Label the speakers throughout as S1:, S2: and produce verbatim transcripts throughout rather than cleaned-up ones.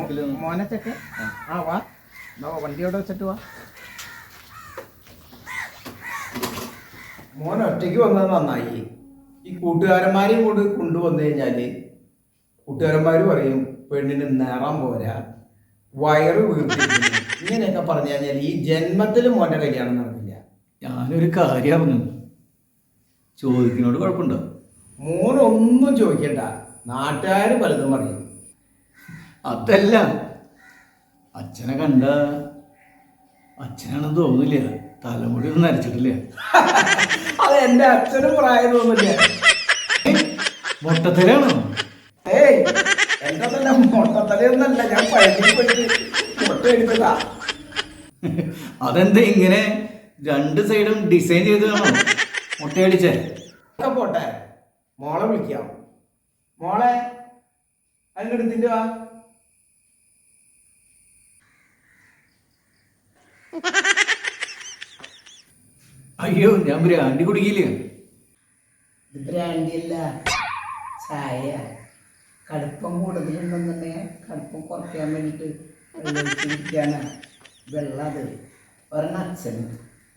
S1: മോനച്ചൊക്കെ ആ വാ വണ്ടി അവിടെ വെച്ചിട്ട് വാ.
S2: മോൻ ഒറ്റയ്ക്ക് വന്നത് നന്നായി. ഈ കൂട്ടുകാരന്മാരെയും കൂടെ കൊണ്ടുവന്നു കഴിഞ്ഞാല് കൂട്ടുകാരന്മാർ പറയും പെണ്ണിന് നിറം പോരാ, വയറ് വീർത്തിരിക്കുന്നു, ഇങ്ങനെയൊക്കെ പറഞ്ഞു കഴിഞ്ഞാൽ ഈ ജന്മത്തിൽ മോന്റെ കല്യാണം നടക്കില്ല.
S3: ഞാനൊരു കാര്യം അറിഞ്ഞു, ചോദിക്കുന്നോട് കുഴപ്പമുണ്ടോ?
S2: മോനൊന്നും ചോദിക്കണ്ട, നാട്ടുകാർ പലതും പറയും.
S3: അതല്ല, അച്ഛനെ കണ്ട അച്ഛനാണെന്ന് തോന്നില്ല, തലമുടി ഒന്നും നരച്ചിട്ടില്ല.
S2: അത് എന്റെ അച്ഛനും പ്രായം തോന്നില്ല.
S3: മൊട്ടത്തലാണോ?
S2: ഏയ് എന്റെ തന്നെ മൊട്ടത്തലയൊന്നല്ല, ഞാൻ പഴനി പോയിട്ട് മുട്ട എടുത്തതാ.
S3: അതെന്താ ഇങ്ങനെ രണ്ട് സൈഡും ഡിസൈൻ ചെയ്ത് കാണോ മുട്ടയടിച്ചേ?
S2: പോട്ടെ, മോളെ വിളിക്കാം. മോളെ അതിനെടുത്തിട്ട് വാ.
S3: അയ്യോ, ഞാൻ ബ്രാൻഡി കുടിക്കില്ലേ?
S1: ബ്രാൻഡിയല്ല, ചായ. കടുപ്പം കൂടുതലുണ്ടെന്നുണ്ടെങ്കിൽ കടുപ്പം കുറയ്ക്കാൻ വേണ്ടിയിട്ട് വെള്ളമൊഴിച്ചിരിക്കുകയാണ്. വെള്ളം അത് ഒരെണ്ണം അച്ഛന്.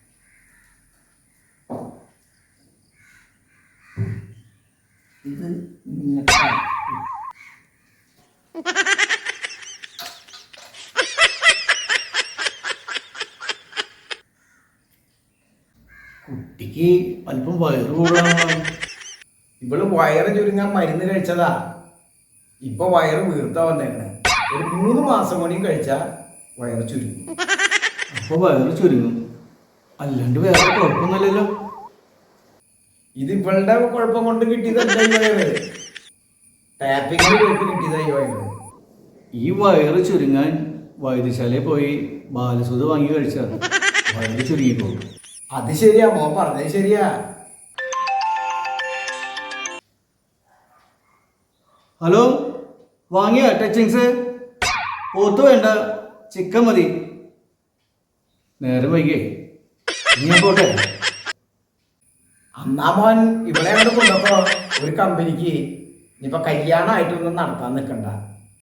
S1: ഇത് നിങ്ങൾക്ക്
S3: കുട്ടിക്ക് അല്പം വയറ് കൂടാണോ?
S2: ഇവള് വയറ് ചുരുങ്ങാൻ മരുന്ന് കഴിച്ചതാ, ഇപ്പൊ വയറ് വീർത്താ വന്നേക്കണേ. ഒരു മൂന്ന് മാസം കൂടിയും കഴിച്ചാ വയറ് ചുരുങ്ങും.
S3: അപ്പൊ വയറ് ചുരുങ്ങും, അല്ലാണ്ട് വേറെ കുഴപ്പമൊന്നുമില്ലല്ലോ.
S2: ഇത് ഇവളുടെ കുഴപ്പം കൊണ്ട് കിട്ടിയതല്ല ഈ വയറ്, ടാപ്പിങ്ങിന് പോയിട്ട് കിട്ടിയതാ ഈ വയറ്.
S3: ഈ വയറ് ചുരുങ്ങാൻ വൈദ്യശാലയിൽ പോയി ബാലസുത വാങ്ങി കഴിച്ചാൽ വയറ് ചുരുങ്ങിപ്പോകും.
S2: അത് ശരിയാ, മോൻ പറഞ്ഞത് ശരിയാ.
S3: ഹലോ, വാങ്ങിയ ടച്ചിങ്സ്? പോത്ത് വേണ്ട, ചിക്കൻ മതി. നേരം വൈകേ, ഞാൻ പോട്ടെ.
S2: അന്നാ മോൻ ഇവിടെ അങ്ങോട്ട് കൊണ്ടപ്പോ ഒരു കമ്പനിക്ക് ഇനിയിപ്പൊ കല്യാണമായിട്ടൊന്നും നടത്താൻ നിൽക്കണ്ട.